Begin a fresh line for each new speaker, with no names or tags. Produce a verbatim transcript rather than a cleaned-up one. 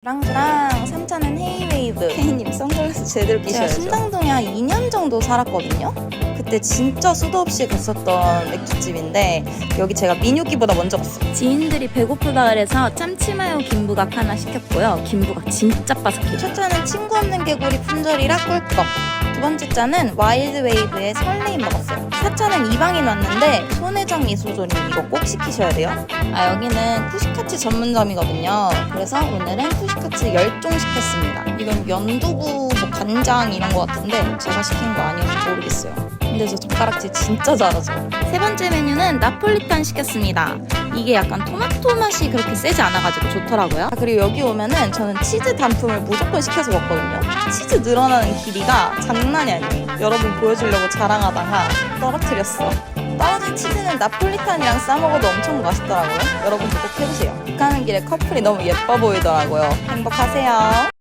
주랑 삼 차는 헤이웨이브. 케이님 선글라스 제대로 끼셔야죠. 제가 신당동에 한 이 년 정도 살았거든요. 그때 진짜 수도 없이 갔었던 맥주집인데 여기 제가 민유기보다 먼저 갔어요. 지인들이 배고프다 그래서 참치마요 김부각 하나 시켰고요. 김부각 진짜 바삭해요. 첫 차는 친구 없는 개구리 품절이라 꿀꺽. 두 번째 차는 와일드웨이브의 설레임 먹었어요. 사 차는 이방인 왔는데 손혜정 미소조림 이거 꼭 시키셔야 돼요. 아 여기는 쿠시카츠 전문점이거든요. 그래서 오늘은 쿠시카츠 열 종 시켰습니다. 이건 연두부 뭐 간장 이런 거 같은데 제가 시킨 거 아니어서 모르겠어요. 근데 저 젓가락질 진짜 잘하죠. 세 번째 메뉴는 나폴리탄 시켰습니다. 이게 약간 토마토 맛이 그렇게 세지 않아가지고 좋더라고요. 아, 그리고 여기 오면은 저는 치즈 단품을 무조건 시켜서 먹거든요. 치즈 늘어나는 길이가 장난이 아니에요. 여러분 보여주려고 자랑하다가 떨어뜨렸어. 떨어진 치즈는 나폴리탄이랑 싸먹어도 엄청 맛있더라고요. 여러분도 꼭 해보세요. 가는 길에 커플이 너무 예뻐 보이더라고요. 행복하세요.